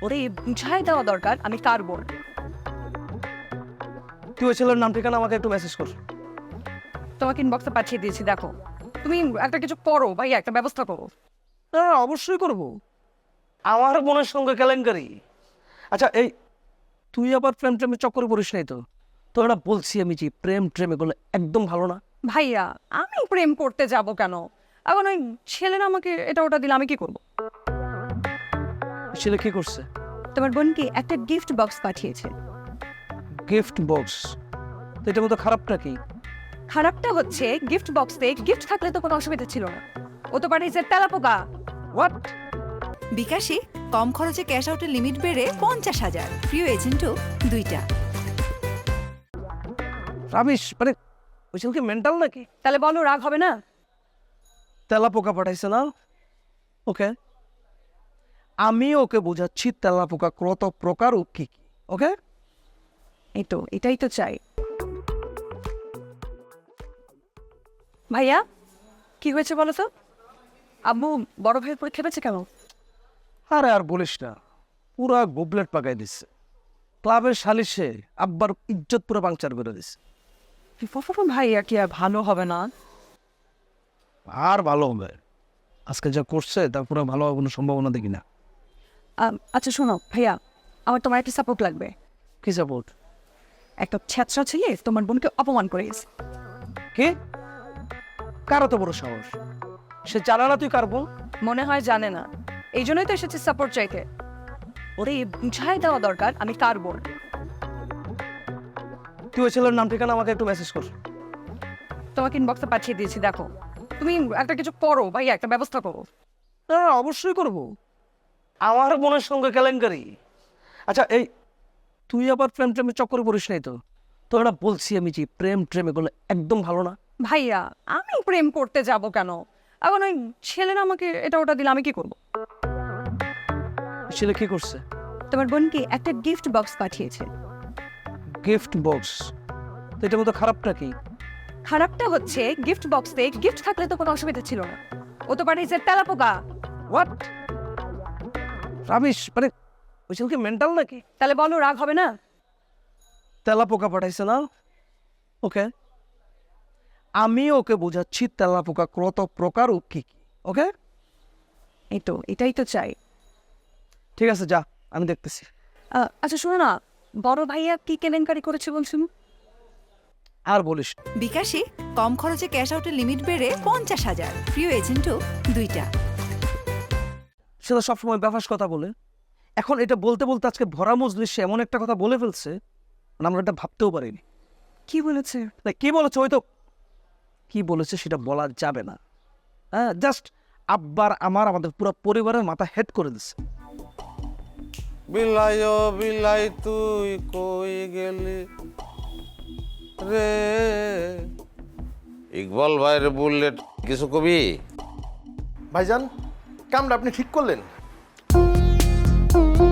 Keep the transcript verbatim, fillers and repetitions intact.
ওরে বুঝাই দেওয়া দরকার আমি কার বোন। তুই ওই ছেলের নাম ঠিকানা আমাকে একটু মেসেজ কর। তোমাকে ইনবক্সে পাঠিয়ে দিয়েছি, দেখো। তুমি একটা কিছু করো ভাইয়া, একটা ব্যবস্থা করো। হ্যাঁ অবশ্যই করব। আমার বোনের সঙ্গে কেলেঙ্কারি। আচ্ছা এই তুই আবার প্রেম ট্রেমে চক্করে পড়িস নাই তো? তোর না বলছি আমি যে প্রেম ট্রেম এগুলো একদম ভালো না। ভাইয়া আমি প্রেম করতে যাব কেন? এখন ওই ছেলেরা আমাকে এটা ওটা দিলে আমি কি করব? ছেলে কি করছে? তোমার বোনকে একটা গিফট বক্স পাঠিয়েছে। Gift box? তো এটার মতো খারাপটা কি? খারাপটা হচ্ছে গিফট বক্সে গিফট থাকলে তো কোনো অসুবিধা ছিল না, ও তো পাঠিয়েছে তেলাপোকা। হোয়াট? বিকাশে কম খরচে ক্যাশ আউটের লিমিট বেড়ে পঞ্চাশ হাজার, প্রিয় এজেন্টও দুইটা। রাবিশ, মানে ওই ছেলেকে মেন্টাল নাকি? তাহলে বলো রাগ হবে না? তেলা পোকা পাঠাইছে না? ওকে, আমি ওকে বোঝাচ্ছি তেলা পোকা কত প্রকার ও কি কি। ওকে, এই তো এটাই তো চাই। ভাইয়া কি হয়েছে বলো তো? আব্বু বড় ভাইয়ের পরীক্ষা পেয়েছে কেন? আরে আর বলিস না, পুরা গোবলেট পাকাই দিচ্ছে। ক্লাবের সালিশে আব্বার ইজ্জত পুরো পাংচার করে দিচ্ছে। ভাইয়া কি আর ভালো হবে না? আর ভালো হবে? আজকে যা করছে তা পুরো ভালো হওয়ার কোনো সম্ভাবনা দেখি না। আম, আচ্ছা শোনো ভাইয়া, আমার তোমার একটা সাপোর্ট লাগবে। কি সাপোর্ট? একটা ছ্যাঁচড়া ছেলে তোমার বোনকে অপমান করে গেছে। কি? কার তো বড় সাহস? সে জানা না তুই কার বোন? মনে হয় জানে না, এই জন্যই তো এসেছে সাপোর্ট চাইতে। ওরে বুঝাই দেওয়া দরকার আমি কার বোন। তুই ওই ছেলের নাম ঠিকানা আমাকে একটু মেসেজ কর। তোমাকে ইনবক্সে পাঠিয়ে দিয়েছি, দেখো। তুমি একটা কিছু করো ভাইয়া, একটা ব্যবস্থা করো। হ্যাঁ অবশ্যই করব। আমার বোনের সঙ্গে কেলেঙ্কারি। আচ্ছা এই তুই আবার প্রেম ট্রেমে চক্করে পড়িস নাই তো? তোর না বলছি আমি যে প্রেম ট্রেম এগুলো একদম ভালো না। ভাইয়া আমি প্রেম করতে যাব কেন? এখন ওই ছেলেরা আমাকে এটা ওটা দিলে আমি কি করব? ছেলে কি করছে? তোমার বোনকে একটা গিফট বক্স পাঠিয়েছে। Gift box? তো এটার মতো খারাপটা কি? খারাপটা হচ্ছে গিফট বক্সে গিফট থাকলে তো কোনো অসুবিধা ছিল না, ও তো পাঠিয়েছে তেলাপোকা। হোয়াট? রাবিশ, মানে ওই ছেলেকে মেন্টাল নাকি? তাহলে বলো রাগ হবে না? তেলা পোকা পাঠাইছে না? ওকে, আমি ওকে বোঝাচ্ছি তেলা পোকা কত প্রকার ও কি কি। ওকে, এই তো এটাই তো চাই। ঠিক আছে যা, আমি দেখতেছি। আহ, আচ্ছা শোনো না, বড় ভাইয়া কি কেলেঙ্কারি করেছে বলছিল? আর বলিস না। বিকাশে কম খরচে ক্যাশ আউটের লিমিট বেড়ে পঞ্চাশ হাজার, প্রিয় এজেন্টও দুইটা। সেটা সবসময় ব্যাপাস কথা বলে। এখন এটা বলতে বলতে আজকে ভরা মজলিসে এমন একটা কথা বলে ফেলছে, মানে আমরা এটা ভাবতেও পারিনি। কি বলেছে? না কি বলেছে ওই তো কি বলেছে সেটা বলা যাবে না। হ্যাঁ জাস্ট আব্বার আমার আমাদের পুরো পরিবারের মাথা হেড করে দিচ্ছে। বিলাই ও বিলাই তুই কই গেলি রে? ইকবাল ভাইয়ের বুলেট কিছু কবি? ভাইজান কামটা আপনি ঠিক করলেন।